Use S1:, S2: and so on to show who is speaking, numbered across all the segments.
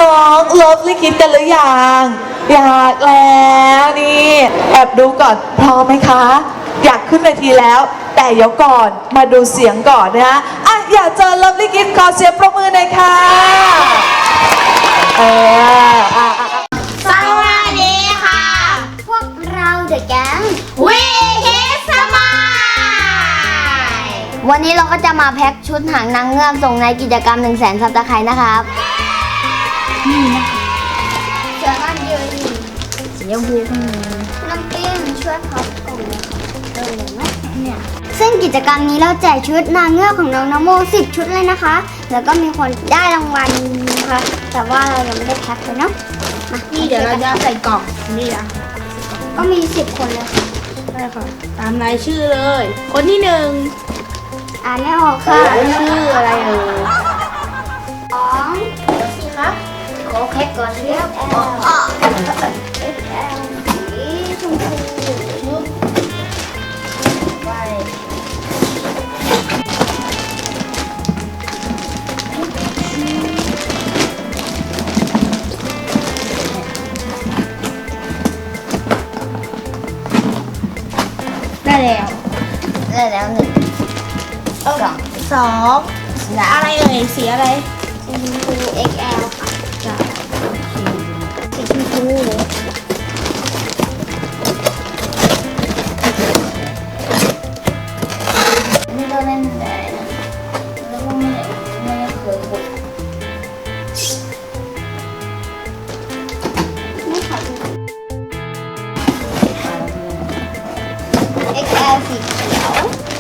S1: น้องๆเลิฟลิคิดกันหรือยังอยากแล้วนี่แอบดูก่อนพร้อมไหมคะอยากขึ้นเวทีแล้วแต่เดี๋ยวก่อนมาดูเสียงก่อนนะฮะอยากเจอเลิฟลิคิดขอเสียงปรบมือหน่อยค่ะ
S2: สวัสดีค่ะพวกเราเดอะแก๊งวีคิดสมายวันนี้เราก็จะมาแพ็คชุดหางนางเงือกส่งในกิจกรรม 100,000 ซับสไครต์นะครับนี่นะเสื้อกันยืนสีชมพูข้างในน้ำปิ้งช่วยพับกล่องเลยไหมเนี่ยซึ่งกิจกรรมนี้เราแจกชุดนางเงือกของน้องนโม10 ชุดเลยนะคะแล้วก็มีคนได้รางวัลนะคะแต่ว่าเรายังไม่ได้แพ็คเลยเนาะ
S3: นี่เดี๋ยวเราจะใส่กล่องนี่นะ
S2: ก็มี10 คนเลยค่ะ
S3: ใช่ค่ะตามรายชื่อเลย คนที่1
S2: อ่านไม่ออกค่ะ
S3: ชื่ออะไรเอ่ย
S2: 2สิคะขอแพ็คก่อนเรียบสีชมพูไป
S3: ได้แล้ว
S2: ได้แล้ว1
S3: 2อะไรเอ่ยสีอะไร
S2: ชมพู XL ค่ะสีชมพูนี่เราเล่นได้นะแล้วก็ไม่เคยกดไม่ขอดู XL สีเขียว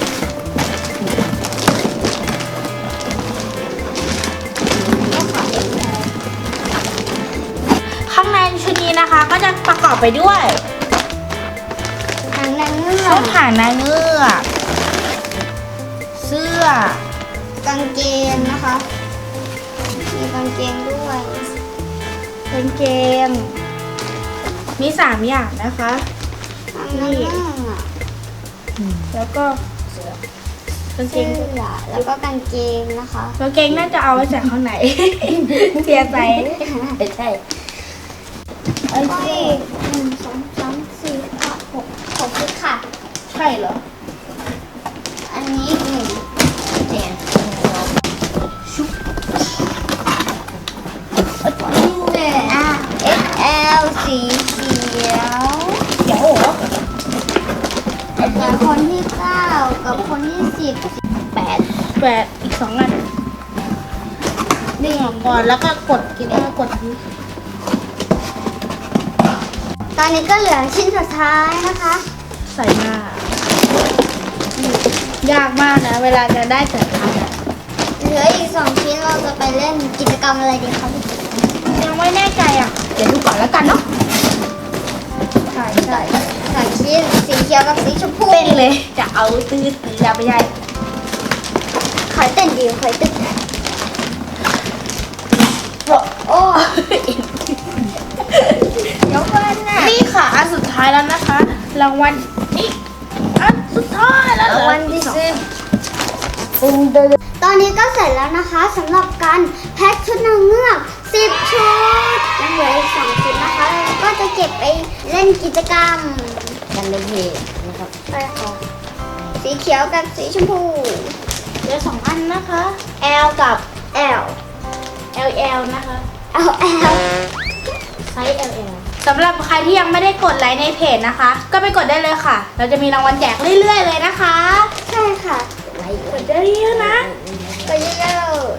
S3: ข้างในชุดนี้นะคะก็จะประกอบไปด้วย
S2: หางนางเงือ
S3: ชุ
S2: ก
S3: ดหางนางเงือกเสื้อก
S2: างเกงนะคะ มีกางเกงด้วย
S3: กางเกงมี3อย่างนะคะ
S2: หางนางเงือก
S3: แล้วก็กางเก
S2: เสื้
S3: ง
S2: อแล้วก็กางเกงนะคะ
S3: กางเกงน่าจะเอาไว้ใส่ข้างใน เสียใจใช่
S2: แล้วก็อีก1 2 3 4 5 6 6ชุดค่ะ
S3: ใช่เหรอ
S2: อันนี้อีก1เจนชุบXL สีเขียว
S3: เดี๋ยวโอ้
S2: แต่คนที่9กับคนที่10
S3: 8อีก2อันดึงออกก่อนแล้วก็กดกดนี้
S2: ตอนนี้ก็เหลือชิ้นสุดท้ายนะคะ
S3: ใส่หน้ายากมากนะเวลาจะได้แต่ละอันอะ
S2: เหลืออีก2 ชิ้นเราจะไปเล่นกิจกรรมอะไรดีคะพี่
S3: ยังไม่แน่ใจอ่ะเดี๋ยวดูก่อนแล้วกันเนาะใช่
S2: 2 ชิ้นสีเขียวกับสีชมพู
S3: เต้นเลยจะเอาตื้ออย่าไปใหญ่
S2: ขอยเต้นดีขอยเต้นโอ้เดี๋ยวก่อนนะ
S3: นี่ค่ะอันสุดท้ายแล้วนะคะรางวัลนี่อันสุดท้ายแล้ว
S2: รางวัลที่10ตอนนี้ก็เสร็จแล้วนะคะสำหรับการแพ็คชุดนางเงือก10 ชุดยังเหลืออีก2 ชุดนะคะแล้วก็จะเก็บไปเล่นกิจกรรมกันเลยนะครับไปค่ะสีเขียวกับสีชมพู
S3: เหลือ2อันนะคะ
S2: L กับ L
S3: LL นะคะ
S2: L
S3: ไซส์ LL สำหรับใครที่ยังไม่ได้กดไลค์ในเพจนะคะ ก็ไปกดได้เลยค่ะ เราจะมีรางวัลแจกเรื่อยๆเลยนะคะ
S2: ใช่ค่ะ
S3: กดได้เยอะนะ
S2: ไปเยอะเลย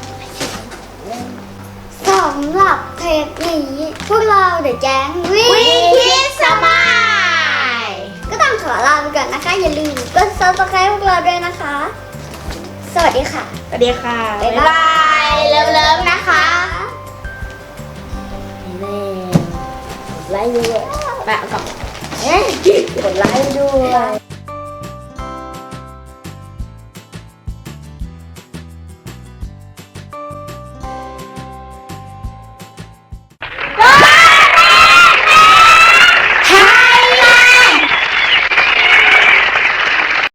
S2: สำหรับเทปนี้พวกเราเดอะแก๊งวีคิดสมายก็ต้องขอลาไปก่อนนะคะ อย่าลืมกด subscribe พวกเราด้วยนะคะ สวัสดีค่ะ
S3: สวัสดีค่ะ
S2: บ๊ายบายเลิฟๆนะคะ
S3: ไลค์ด้วยแปะกับ
S2: กดไลค์ด้วย